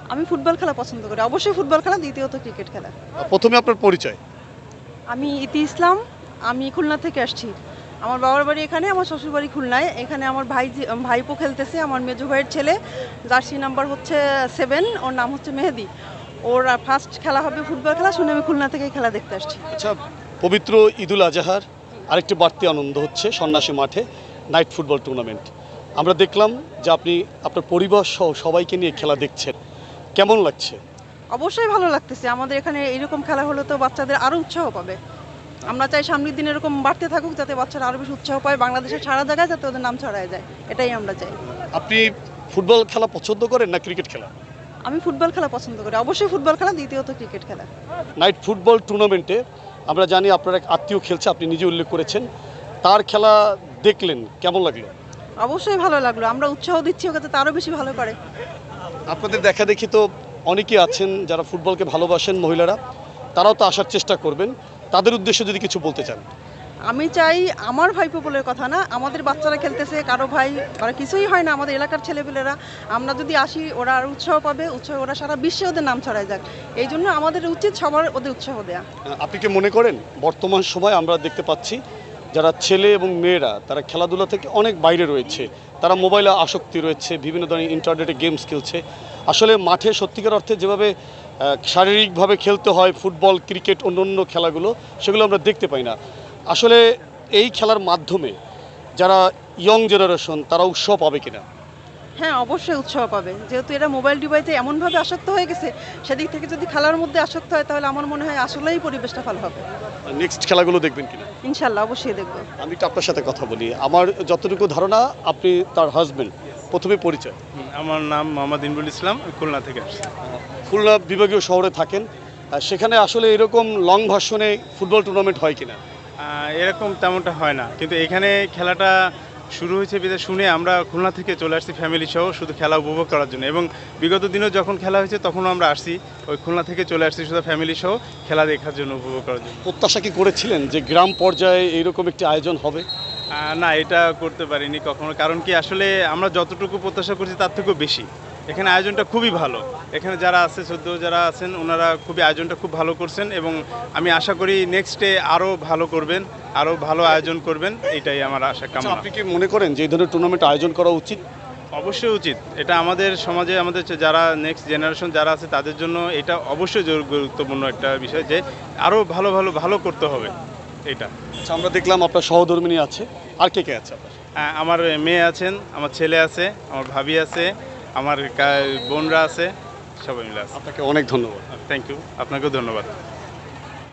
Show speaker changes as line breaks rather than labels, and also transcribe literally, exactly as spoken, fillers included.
আমি ফুটবল খেলা পছন্দ করি, অবশ্যই ফুটবল খেলা, দ্বিতীয়ত ক্রিকেট খেলা।
প্রথমে আপনার পরিচয়।
আমি ইতি ইসলাম, আমি খুলনা থেকে আসছি। আমার বাবার বাড়ি এখানে, আমার শ্বশুর বাড়ি খুলনায়। এখানে আমার ভাই ভাইপো খেলতেছে, আমার মেজো ভাইয়ের ছেলে, জার্সি নাম্বার হচ্ছে সেভেন, ওর নাম হচ্ছে মেহেদি। ওর ফার্স্ট খেলা হবে ফুটবল খেলা, শুনে আমি খুলনা থেকে খেলা দেখতে আসছি।
আচ্ছা, পবিত্র ঈদুল আজহার আরেকটি বাড়তি আনন্দ হচ্ছে সন্ন্যাসী মাঠে নাইট ফুটবল টুর্নামেন্ট। আমরা দেখলাম যে আপনি আপনার পরিবার সহ সবাইকে নিয়ে খেলা দেখছেন, কেমন লাগছে?
অবশ্যই ভালো লাগতেছে। আমাদের এখানে এরকম খেলা হলে তো বাচ্চাদের আরও উৎসাহ পাবে। আমরা চাই সামনের দিন এরকম বাড়তে থাকুক, যাতে বাচ্চারা আরও বেশি উৎসাহ পায়, বাংলাদেশের সারা জায়গায় যাতে ওদের নাম ছড়ায় যায়, এটাই আমরা চাই।
আপনি ফুটবল খেলা পছন্দ করেন না ক্রিকেট খেলা?
আমি ফুটবল খেলা পছন্দ করি, অবশ্যই ফুটবল খেলা, দ্বিতীয়ত ক্রিকেট খেলা।
নাইট ফুটবল টুর্নামেন্টে আমরা জানি আপনার এক আত্মীয় খেলছে, আপনি নিজে উল্লেখ করেছেন, তার খেলা দেখলেন, কেমন লাগলো?
অবশ্যই ভালো লাগলো, আমরা উৎসাহ দিচ্ছি ওকে যাতে আরও বেশি ভালো করে।
আপনাদের দেখা দেখি তো অনেকেই আছেন যারা ফুটবলকে ভালোবাসেন, মহিলারা, তারাও তো আসার চেষ্টা করবেন, তাদের উদ্দেশ্যে যদি কিছু বলতে চান।
আমি চাই, আমার ভাইপো বলে কথা না, আমাদের বাচ্চারা খেলতেছে, কারো ভাই ওরা কিছুই হয় না, আমাদের এলাকার ছেলেপেলেরা, আমরা যদি আসি ওরা আর উৎসাহ পাবে, উৎসাহ ওরা সারা বিশ্বে ওদের নাম ছড়ায় যাক, এই জন্য আমাদের উচিত সবার ওদের উৎসাহ দেয়া।
আপনি কি মনে করেন বর্তমান সময় আমরা দেখতে পাচ্ছি যারা ছেলে এবং মেয়েরা তারা খেলাধুলা থেকে অনেক বাইরে রয়েছে, তারা মোবাইলে আসক্তি রয়েছে, বিভিন্ন ধরনের ইন্টারনেটে গেমস খেলছে, আসলে মাঠে সত্যিকার অর্থে যেভাবে শারীরিকভাবে খেলতে হয় ফুটবল, ক্রিকেট, অন্য অন্য খেলাগুলো, সেগুলো আমরা দেখতে পাই না। আসলে এই খেলার মাধ্যমে যারা ইয়ং জেনারেশন তারা উৎসাহ পাবে কিনা?
হ্যাঁ, অবশ্যই উৎসাহ পাবে, যেহেতু এরা মোবাইল ডিভাইসে এমনভাবে আসক্ত হয়ে গেছে, সেদিক থেকে যদি খেলার মধ্যে আসক্ত হয় তাহলে আমার মনে হয় আসলেই পরিবেশটা ভালো হবে।
নেক্সট খেলাগুলো দেখবেন কিনা?
ইনশাল্লাহ অবশ্যই দেখবো।
আমি একটু আপনার সাথে কথা বলি। আমার যতটুকু ধারণা আপনি তার হাজবেন্ড, প্রথমে পরিচয়।
আমার নাম মোহাম্মদ ইনবুল ইসলাম, খুলনা থেকে আসছি।
খুলনা বিভাগীয় শহরে থাকেন, আর সেখানে আসলে এরকম লং ভার্সনে ফুটবল টুর্নামেন্ট হয় কিনা?
আহ, এরকম তেমনটা হয় না, কিন্তু এখানে খেলাটা শুরু হয়েছে বিধে শুনে আমরা খুলনা থেকে চলে আসছি ফ্যামিলি সহ শুধু খেলা উপভোগ করার জন্য, এবং বিগত দিনেও যখন খেলা হয়েছে তখনও আমরা আসছি, ওই খুলনা থেকে চলে আসছি শুধু ফ্যামিলি সহ খেলা দেখার জন্য, উপভোগ করার জন্য।
প্রত্যাশা কি করেছিলেন যে গ্রাম পর্যায়ে এইরকম একটি আয়োজন হবে?
আহ, না, এটা করতে পারিনি কখনো, কারণ কি আসলে আমরা যতটুকু প্রত্যাশা করছি তার থেকেও বেশি। এখানে আয়োজনটা খুবই ভালো, এখানে যারা আছে সদ্য যারা আছেন ওনারা খুবই আয়োজনটা খুব ভালো করছেন, এবং আমি আশা করি নেক্সটে আরও ভালো করবেন, আরও ভালো আয়োজন করবেন, এটাই আমার আশা
আচ্ছা,
কামনা।
আপনি কি মনে করেন যে এই ধরনের টুর্নামেন্ট আয়োজন করা উচিত?
অবশ্যই উচিত, এটা আমাদের সমাজে আমাদের যারা নেক্সট জেনারেশন যারা আছে তাদের জন্য এটা অবশ্যই জরুরি গুরুত্বপূর্ণ একটা বিষয়, যে আরও ভালো ভালো ভালো করতে হবে এটা।
আচ্ছা, আমরা দেখলাম আপনার সহধর্মিনী আছে, আর কে কে আছে আপনার?
আহ, আমার মেয়ে আছেন, আমার ছেলে আছে, আমার ভাবি আছে, আমার কা- বোনরা আছে, সবাই মিলে আছে।
আপনাকে অনেক ধন্যবাদ।
থ্যাংক ইউ, আপনাকেও ধন্যবাদ।